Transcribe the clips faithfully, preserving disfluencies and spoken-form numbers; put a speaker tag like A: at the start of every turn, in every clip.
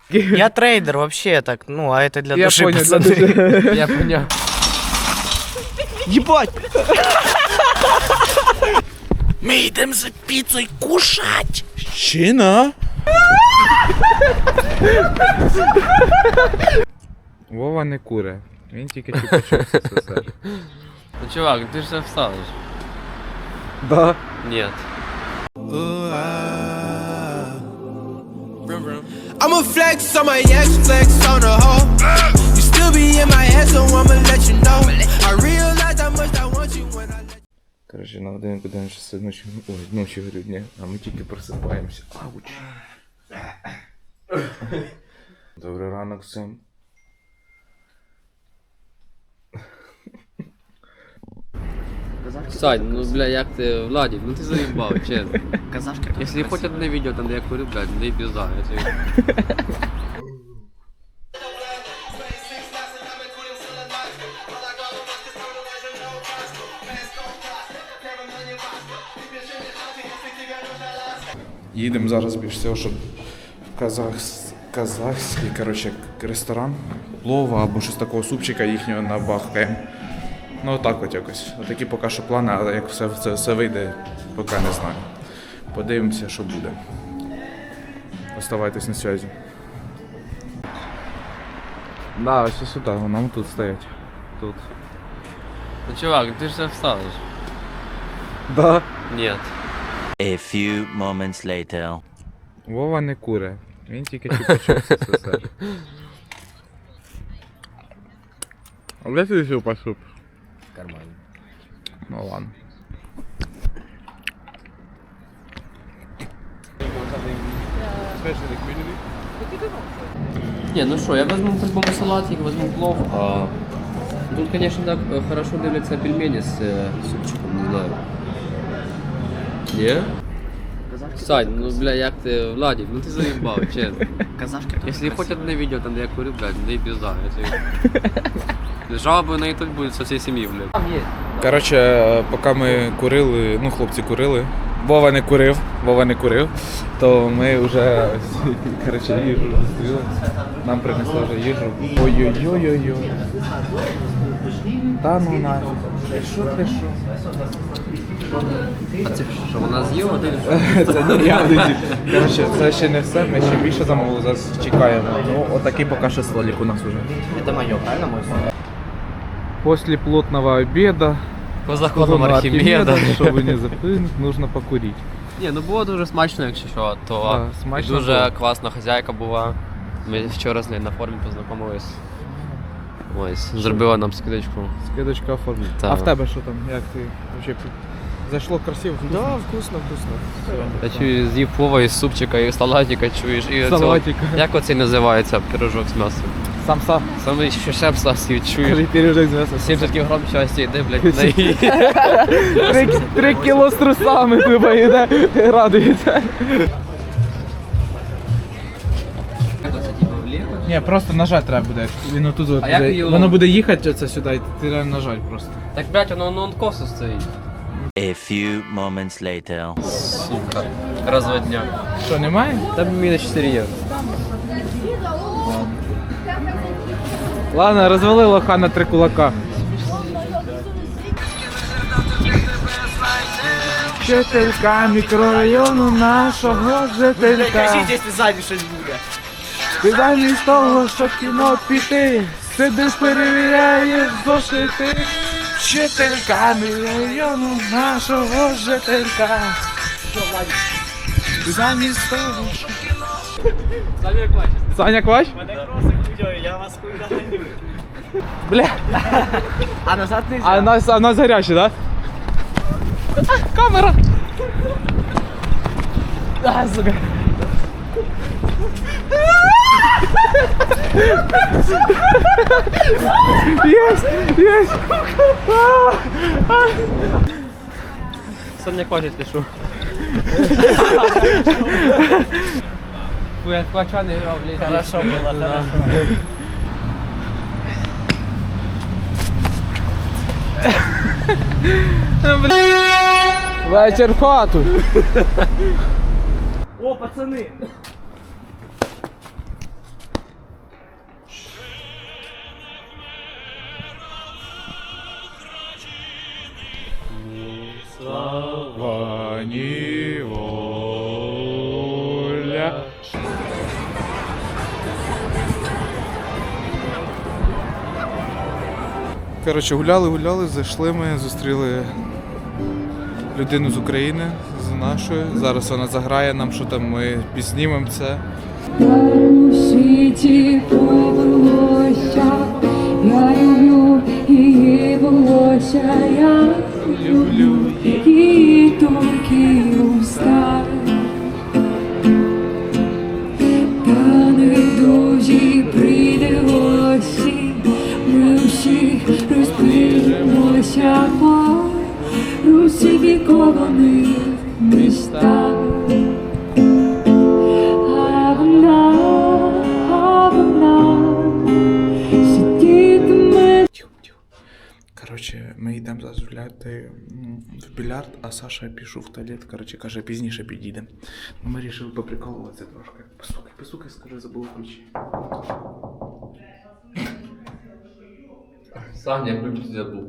A: Я трейдер вообще так, ну, а это для
B: Я
A: души,
B: понял, для
A: пацаны.
B: души. Я понял.
A: Ебать! Мы идем за пиццей кушать!
C: Щина?
B: Вова не куре. Він тільки чупа-чупс СССР.
D: Ну, чувак, ты же встанешь.
B: Да.
D: Нет.
E: I'ma flex on my ex, flex on the hoe. You still be in my head, so I'ma let you know. I realize how much I want you when I let you.
B: Короче, на годинку день часи ночі, ой, ночі грудня, а ми тільки просипаємося. Ауч. Добрий ранок всім.
D: Сань, ну бля, як ти, Владик, ну ти заїбав, чесно.
A: Казашка.
D: Якщо хоч одне відео там, де я курю, блядь, не пізда. я тобі-
C: Їдемо зараз більш всього, щоб в казахс... казахський коротше, ресторан, плова або щось такого супчика їхнього набахкаємо. Ну отак от якось. Отакі поки що плани, але як все, це все вийде, поки не знаю. Подивимося, що буде. Оставайтесь на зв'язі.
B: Да, ось сюди, нам тут стоять. Тут.
D: Ну, чувак, ти ж встанеш.
B: Да.
D: Нет.
F: A few moments later.
B: Вова не куре. Він тільки чупа-чупс СССР. А де ти ще пошуп?
D: Нормально.
B: Ну ладно.
D: Не, ну що, я возьму по-любому салатик, возьму плов. А... Тут, конечно, так э, хорошо дивляться пельмени с э, супчиком, не знаю. Не? Сань, ну бля, як ти, Владик, ну ти заїбав, чесно.
A: Казашка.
D: Якщо хоч одне відео там, де я курю, блядь, не пізда. я тобі- Жалоби на ютуб будуть со всієї сім'ї, блядь.
C: Коротше, поки ми курили, ну хлопці курили, Вова не курив, Вова не курив, то ми вже коротше, їжу зустріли. Нам принесли вже їжу. Ой-ой-ой-ой-ой. Та ну нафіг. Ти що, ти що?
D: А це що, вона з'їла? Ти
C: Це не я не Коротше, це ще не все, ми ще більше замовили, зараз чекаємо. Ну, отакий поки що столик у нас уже.
A: Это мое, правильно, мой сон?
B: После плотного обеда,
D: по законам
B: колонна
D: Архімеда.
B: чтобы не запынуть, нужно покурить.
D: Ні, ну було дуже смачно, якщо що, то
B: Да, смачно
D: дуже
B: було.
D: класна хазяйка була. Ми вчора з нею на форумі познайомились. Ось, зробила нам скидочку.
B: Скидочка оформлена.
D: Так.
B: А в тебе що там? Як ти вообще зайшло красиво?
A: Да, вкусно, вкусно.
D: Я чую, з'їв плова із супчика, і салатика, чуєш, і оцього-
B: Салатика.
D: Як оцей називається пирожок з м'ясом?
B: Самса.
D: Саме що ще псасів, чуєш?
B: Пиріжок з м'ясом.
D: сімдесят кілограм щастя йде, блядь, на її.
B: Три, три кіло з трусами типа йде, радується. Ні, просто нажати треба буде. Він отут от
D: А як
B: буде-
D: її
B: воно
D: ловити?
B: буде їхати оце сюди, і ти реально нажать просто.
D: Так, блядь, воно на косо стоїть.
F: A few moments later.
D: Сука, розводня.
B: Що, немає?
D: Там мінус чотири євро.
B: Ладно, розвали лоха на три кулака. Жителька мікрорайону нашого жителька.
A: если сзади что-нибудь будет.
B: Ти замість того, щоб в кіно піти, сидиш, перевіряєш зошити. Жителька мікрорайону нашого жителька. Ти замість того, щоб... Саня Квач?
A: Я вас куда.
B: Бля,
A: А назад нельзя.
B: а нас, а нас гарячі, да? А, камера! А, сука. Есть! Есть! А, а.
D: Сам не хочет, пишу. Фу, я квача не грав, блядь.
A: Хорошо было, хорошо.
B: Вечір в хату.
A: О, пацаны!
C: поніволя. Коротше, гуляли, гуляли, зайшли ми, зустріли людину з України, з нашої. Зараз вона заграє нам, що там ми підснімемо це.
G: У світі повелося, я люблю її волосся, я люблю її тонкі уста. Та невдовзі прийде осінь, ми всі розпилимося по русифікованих містах. А вона, а вона сидітиме.
C: Коротше, ми йдемо зараз гуляти м, в більярд, а Саша пішов в туалет, коротше, каже, пізніше підійдемо. Ми вирішили поприколуватися трошки. Постукай, постукай, скажи, забув ключі.
D: Саня, я ключ забыл.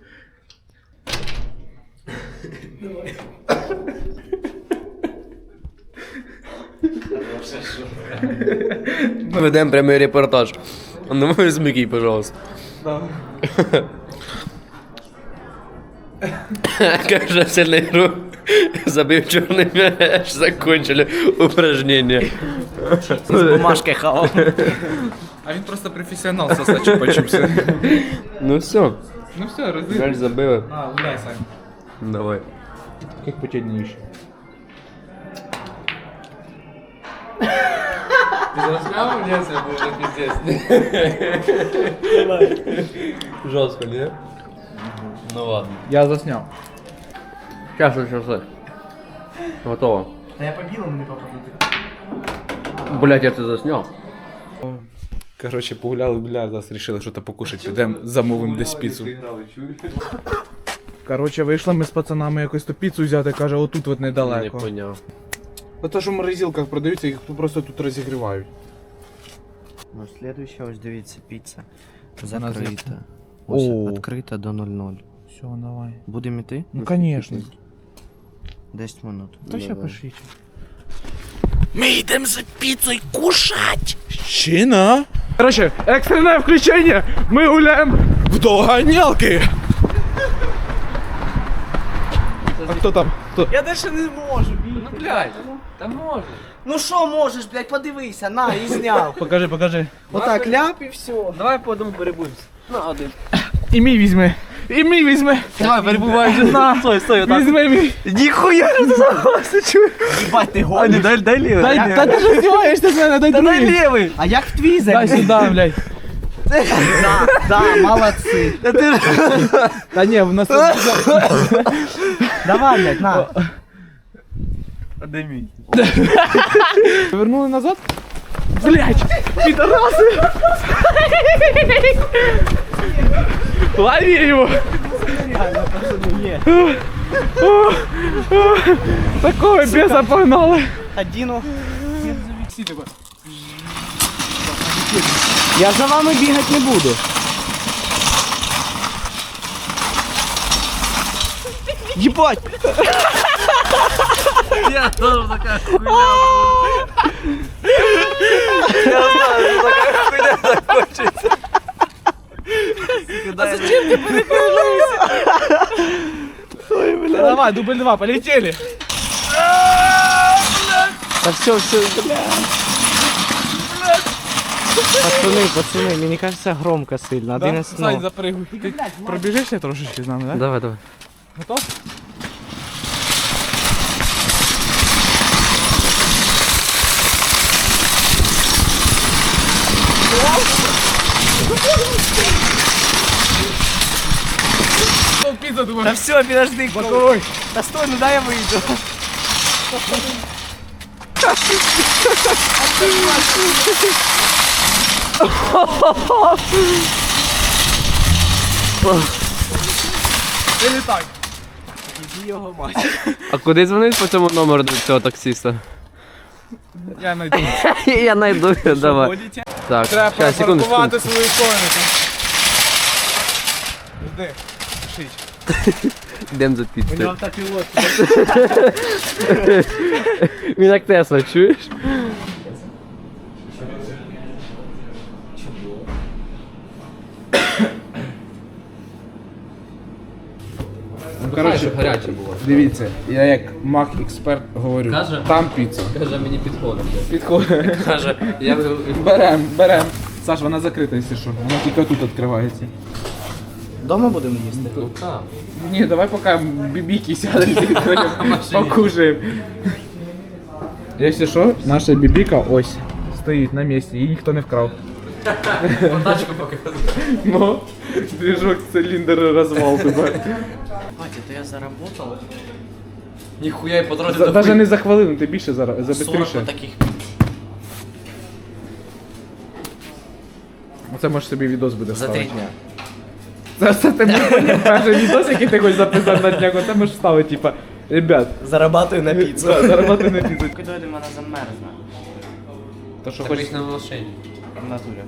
D: Мы ведем прямой репортаж. А ну можешь смеки, пожалуйста. Кажется, сильный игру. Забив черный мяч, закончили упражнение.
B: Бумажкой хавал.
C: А він просто професіонал, Саша, почувся.
D: Ну все,
C: Ну все, розумію.
D: мяч забила.
C: А, гуляй, Сань.
D: Давай.
C: Як потягніші.
D: Ты заснял мне, это было пиздец. Жестко, не? Ну ладно.
B: Я засняв.
D: Сейчас, сейчас, сейчас. Готово.
B: Та я по білому не попаду.
D: Блять, я это заснял.
C: Коротше, погуляли, бля, зараз вирішили щось покушати. Підемо замовимо десь піцу. Коротше, вийшли ми з пацанами якось ту піцу взяти, каже, отут от
D: Не
C: недалеко.
D: понял.
C: Ото що в морозилках продаються, їх просто тут розігрівають.
H: Ну, следующая, ось дивіться, піца.
C: Вона
H: Закрита. Ось,
C: О.
H: відкрита до нуль нуль.
C: Все, давай.
H: Будемо йти?
C: Ну, конечно.
H: десять минут.
C: Та ще пошліть.
A: Ми йдемо за піцою кушать.
C: Щина? Короче, екстрене включення! Ми гуляємо в доганялки! А хто там? Хто?
B: Я дальше не можу, бій.
D: Ну блять, да можно.
B: Ну що можеш, блядь, подивися, на, і зняв.
C: Покажи, покажи.
B: Отак, ляп і все. Давай по одному перебуємося.
D: На один.
C: І мій візьми. І мій візьми.
D: Давай, перебывай.
C: На.
B: Стой, стой, отак.
C: Візьми мій.
B: Ніхуя не заголоси, чую. Ебать, ти гониш. Дай, дай лівий.
C: Дай, та ти ж здіваєшся з мене, дай
B: Та дай
C: другий.
B: лівий. А як в твій
C: Дай
B: загнув?
C: сюди, блядь.
B: Да, да, молодці.
C: Та ні, в нас...
B: Давай, блядь, на. А де мій?
C: Повернули назад? Блядь, підараси! Лови его! Такого беса погнали!
B: Одіну. Я за вами бігати не буду. Ебать!
D: Я тоже такая хуйня.
B: Я знаю, що така хуйня закончиться. А зачем ти переключився? Ой, бля.
C: Давай, дубль два, полетели!
B: Да все, все, бля. Пацаны, пацаны, мне кажется громко сильно.
C: Да?
B: Один из
C: Сань,
B: ног.
C: запрыгуй. Ты пробежишься трошечки з нами, да?
D: Давай, давай.
C: Готов? Пицца, думаю.
B: Да все, подожди,
C: Боковой.
B: да стой, ну дай я выйду.
C: Вилітай.
B: Його мать.
D: А куди дзвонить по цьому номеру до цього таксиста?
C: Я найду.
D: Я найду, давай. Так,
C: Треба
D: сейчас, секунду, секунду.
C: паркувати свою конику. Жди, пишіть.
D: Йдемо за піцею.
B: У нього автопілот.
D: Він як Тесла, чуєш?
C: Ну, коротше,
D: гаряче було.
C: дивіться, я як маг-експерт говорю,
D: Каже?
C: там піца.
D: Каже, мені підходить.
C: Підходить.
D: Каже, я
C: Берем, берем. Саш, вона закрита, якщо що. Вона тільки тут відкривається.
H: Дома будемо їсти?
D: Ну так.
C: Ні, давай поки бібіки сядемо, покушаємо. Якщо що, наша бібіка ось стоїть на місці, її ніхто не вкрав.
D: Тачку показує.
C: Ну, движок, циліндр, розвал тебе.
H: Батя, то я заработал
D: Ніхуя і по дорозі
C: За-
D: до
C: Даже
D: хуй.
C: не за хвилину, ти більше зараз, за
H: сорок
C: бистріше.
H: вот таких.
C: Оце можеш собі відос буде
H: За
C: вставити.
H: три дня.
C: Це, це ти можеш перший відос, який ти хочеш записати на днях, оце можеш вставити, типа, ребят,
H: Зарабатываю на піцу.
C: да, заробити на піцу.
H: Куди вона замерзне?
C: То що
D: Так
C: хочеш
D: хоч на машині.
H: В натурі.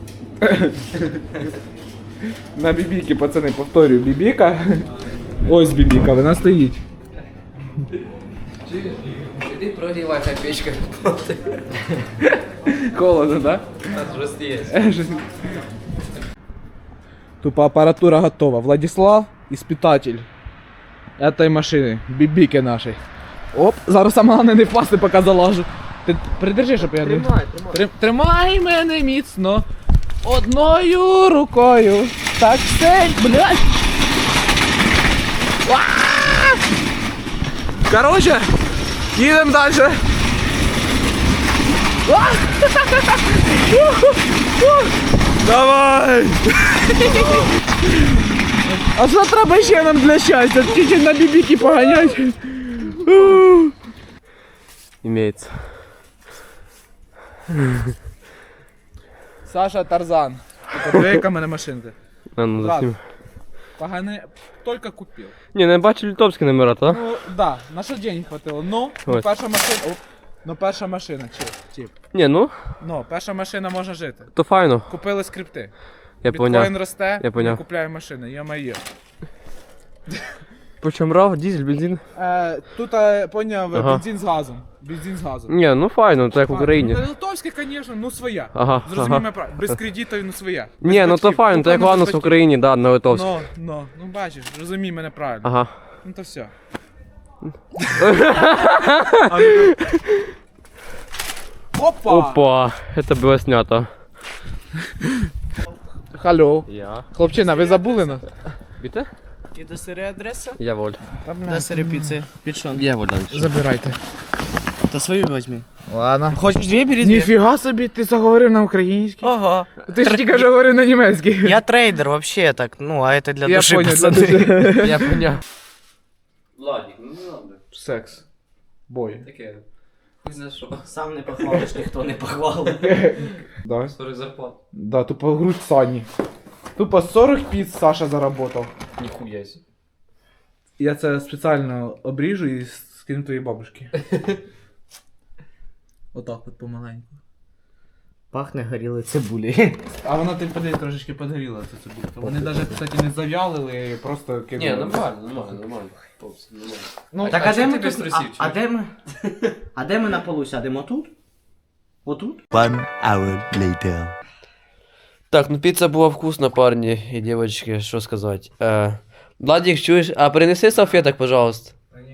C: на бібіки, пацани, повторюю, бібіка. Ось бібіка, вона стоїть.
D: Іди прогрівай, хай печка.
C: Холодно, да?
D: Жест є.
C: Тупо аппаратура готова. Владислав, испытатель этой машины, бібіки нашей. Оп, зараз саме головне не впасти, поки залажу. Ти придержи, щоб я не...
D: Тримай, тримай.
C: Трим- Тримай мене міцно. Одною рукою. Так все, блядь. А! Короче, їдемо далі. А! Давай! А що треба ще нам для щастя? Тільки на бібіки поганять.
D: Імеється.
C: Саша Тарзан. Яка мене машинка.
D: А, ну,
C: Ладно.
D: заснім.
C: Погане, тільки купив.
D: Ні, не бачу литовські номера, так?
C: Ну, да, на що денег хватило. Ну, ну
D: Ось.
C: перша машина. Оп, ну перша машина, чіп, чіп.
D: Ні, ну,
C: Ну, перша машина може жити.
D: то файно.
C: Купили скрипти.
D: Я
C: Біткоін
D: поняв.
C: росте,
D: Я поняв.
C: ми купляємо машини, йо-моє.
D: Причому рав, дизель, бензин?
C: Е, тут, е, поняв,
D: Ага.
C: бензин з газом. Бензин з газом.
D: Ні, ну файно, так в Україні.
C: Ну, литовська, звісно, ну своя.
D: Ага,
C: Зрозумій
D: ага.
C: мене правильно, без кредитів, ну своя. Без
D: Ні, ну то
C: батьків.
D: файно, так як
C: Куплено
D: ладно
C: без
D: в
C: батьків.
D: Україні, да, на литовській.
C: Ну, ну, ну бачиш, розумій мене правильно.
D: Ага.
C: Ну то все. Опа!
D: Опа, це було снято.
C: Халло.
D: Я.
C: Хлопчина, ви забули нас?
D: Біте?
H: І до сири адреса?
D: Я воль.
H: До сири піци. Підшон.
D: Я воль далі.
C: Забирайте.
H: Та свою візьми.
C: Ладно.
H: Хочеш дві, бери дві.
C: Ніфіга собі, ти заговорив на українській.
H: Ого.
C: Ти ж тільки що говорив на німецькій.
H: Я трейдер вообще так, ну, а это для
C: Я
H: души,
C: понял, для
H: пацаны.
C: души.
D: Я поняв. Владик, ну не надо.
C: Секс. Бой.
D: Таке. Не знаю що.
H: Сам не похвалиш, ніхто не похвалить.
C: Да.
D: сорок зарплат.
C: Да, тупо грудь Сані. Тупо сорок піц Саша заработав.
D: Ніхуя сі.
C: Я це спеціально обріжу і скину твоїй бабушці. Отак от помаленьку.
H: Пахне горілою цибулі.
C: А вона ти подивись, трошечки подгоріла ця цибулька. Вони навіть, кстати, не зав'ялили, просто кинули.
D: Ні, нормально, нормально, нормально. Хлопці, нормально.
C: Ну,
H: Так,
D: а
H: а де
D: чим
H: ми
D: ти без
H: тут?
D: трусів,
H: А, а
D: чуєш?
H: де ми? А де ми на полу сядемо? Отут? Отут?
F: One hour later.
D: Так, ну піца була вкусна, парні і дівчатки, що сказати. Е, Владик, чуєш, а принеси салфеток, пожалуйста.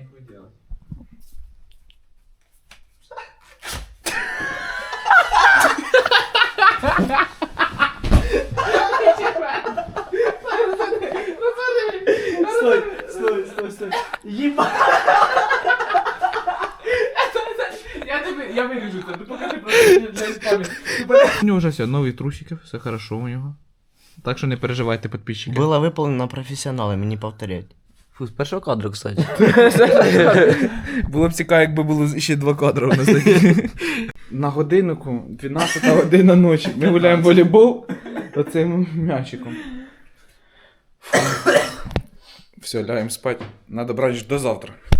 H: Стой, стой, стой, стой. Єба.
C: Я тебе, я виріжу це, покажи просто для іспами. У нього вже все, нові трусики, все хорошо у нього. Так що не переживайте, підписчики.
H: Було виповнено професіоналами, не повторять.
D: Фу, з першого кадру, кстати.
C: Було б цікаво, якби було ще два кадри у нас такі. На годиннику дванадцята година ночі. Ми гуляємо в волейбол оцим м'ячиком. Все, лягаємо спати. Надо брати до завтра.